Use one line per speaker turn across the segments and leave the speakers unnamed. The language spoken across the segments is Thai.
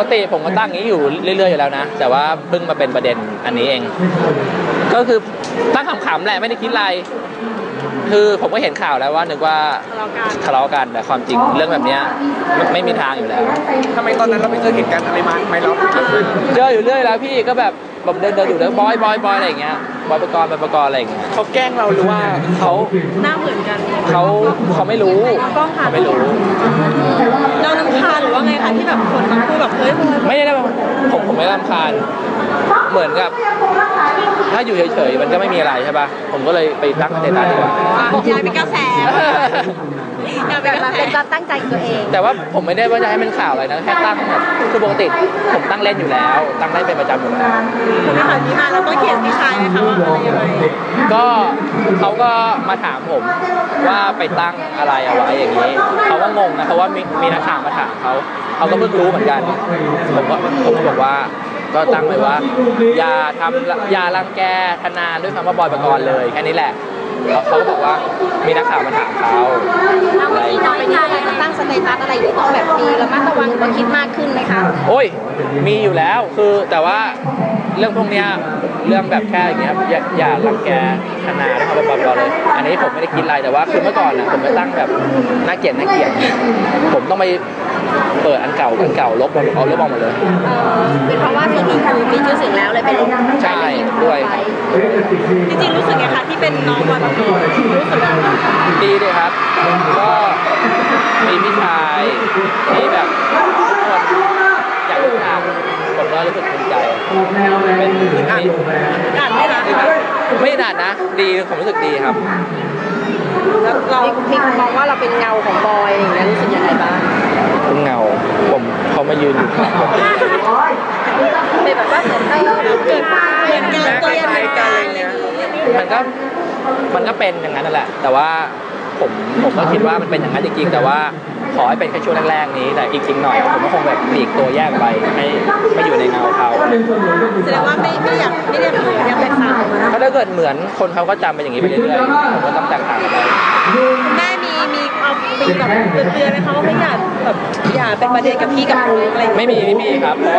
กติผมก็ตั้งอย่างนี้อยู่เรื่อยๆอยู่แล้วนะแต่ว่าเพิ่งมาเป็นประเด็นอันนี้เองก็คือตั้งขำๆแหละไม่ได้คิดอะไรคือผมก็เห็นข่าวแล้วว่านึกว่าทะเลาะกันแต่ความจริงเรื่องแบบนี้ไม่มีทางอยู่แล้ว
ทำไมตอนนั้นเราไปเจอเหตุการณ์อะไรมาไม่เรา
เจออยู่เรื่อยแล้วพี่ก็แบบผมเดินอยู่แล้วบอยอะไรอย่างเงี้ยบอยประกรณ์อะไรอย่างเงี้ย
เขาแกล้งเราหรือว่า
เขา
หน้าเหมือนกัน
เขาไม่รู้เขาไม่รู้
เรารำคาญหรือว่าไงคะที่แบบคนมาพูดแบบเฮ้ย
ไม่ได้ผมไม่รำคาญเหมือนกับถ้าอยู่เฉยๆมันก็ไม่มีอะไรใช่ป่ะผมก็เลยไปตั้งสเตตัสดีกว่า
อยากเป็นกระแสอยากเป็นการตั้งใจตัวเอง
แต่ว่าผมไม่ได้ว่าจะให้เป็นข่าวอะไรนะแค่ตั้งแบบคือปกติผมตั้งเล่นอยู่แล้วตั้งได้เป็นประจำอยู่แล้ว
คุณไม่ผ่านที่มาแล้วก็เขียนพี่ชายไหมคะว่าอะไรยังไง
ก็เขาก็มาถามผมว่าไปตั้งอะไรเอาไว้อย่างนี้เขาก็งงนะเพราะว่ามีนักข่าวมาถามเขาก็เพิ่งรู้เหมือนกันผมก็บอกว่าก็ตั้งไว้ว่าอย่ารังแกธนาด้วยคำว่าบอยประกรณ์เลยแค่นี้แหละเขาก็บอกว่ามีนักข่าวมาถามเขา
อะไรน้อยใจตั้งสเตตัสอะไรที่ต้องแบบมีระมัดระวังหรือว่าคิดมากขึ้นไหมคะ
โอ้ยมีอยู่แล้วคือแต่ว่าเรื่องพวกนี้เรื่องแบบแค่อย่างเงี้ยอย่ารังแกธนาด้วยคำว่าบอยประกรณ์เลยอันนี้ผมไม่ได้คิดอะไรแต่ว่าคือเมื่อก่อนนะผมจะตั้งแบบน่าเกลียดผมต้องไปเปิดอันเก่าลบเอาลบออกหมดเลย
เป็นเพราะว่าส่วนหนึ่งคือมีชื่อเสียงแล้วเลยไปลบ
ใช่ด้วย
จริงๆรู้สึกไงคะที่เป็นน้องบอยประกรณ์รู้สึก
ดีเลยครับก็มีพี่ชายที่แบบอยากรู้ทางผมก็รู้สึกภูมิใจเป็น
ด่านไม่ด่าน
ไม่ด่านนะดีผมรู้สึกดีครับ
แล้วเราพิกมองว่าเราเป็นเงาของบอยอย่างเงี้ยรู้สึกยังไงบ้าง
เป็นเงาผมเขามายืนอยู่ข้างผม
เป็นแบบว่าเหมือนเกิดเงาตัวใหญ่กันอะไรเงี้ย
มันก็เป็นอย่างนั้นนั่นแหละแต่ว่าผมก็คิดว่ามันเป็นอย่างนั้นจริงๆแต่ว่าขอให้เป็นแค่ช่วงแรกๆนี้แต่อีกจริงหน่อยผมก็คงแบบหลีกตัวแยกไปให้ไม่อยู่ในเงาเขา
แสดงว่าไม่อยากแตกต่าง
ถ้าเกิดเหมือนคนเขาก็จำเป็นอย่างนี้ไปเรื่อยๆผมก็ต้องแตกต่างไป
คุณแม่มีเอาปีแบบเตือนไหมคะว่าไม่อยากแบบอย่าเป็นประเด็นกับพี่กับน้องอะไร
ไม่มีครับเพราะ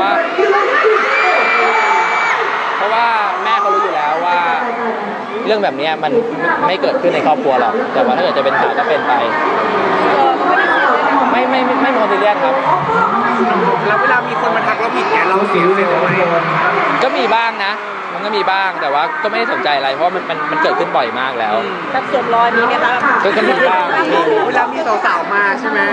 ว่าแม่เขารู้อยู่แล้วว่าเรื่องแบบนี้มันไม่เกิดขึ้นในครอบครัวหรอกแต่ว่าถ้าเกิดจะเป็นข่าวก็เป็นไปไม่โมดิเลียนครับ
แล้วเวลามีคนมาทักเราผิดเนี่ยเราเสียใจไหม
ก็มีบ้างนะมันก็มีบ้างแต่ว่าก็ไม่ได้สนใจอะไรเพราะมันเกิดขึ้นบ่อยมากแล้ว
แบบสวมรอยนี้ไหมคะ
ก็มีบ้าง
เวลามีสาวๆมาใช่ไหม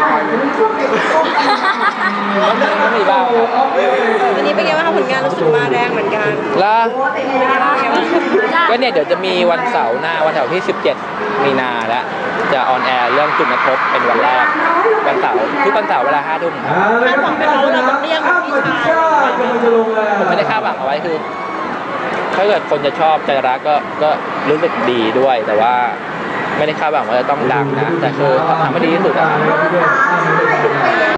ก็มีบ้าง
วันนี้เป็นไงบ้างคะผลงานรู้สึกมาแรงเหมือนกัน
แล้วก็เนี่ยเดี๋ยวจะมีวันเสาร์ที่17 มีนาแล้วจะออนแอร์เรื่องจุดกระทบเป็นวันแรกวันเสาร์ทุกวันเสาร์เวลา 5 ทุ่ม
คาดหวังไปแล้วเราต้องเรียกพี่ชาย
ผมไม่ได้คาดหวังเอาไว้คือถ้าเกิดคนจะชอบใจรักก็รู้สึกดีด้วยแต่ว่าไม่ได้คาดหวังว่าจะต้องดังนะแต่คือทำให้ดีที่สุดนะครับ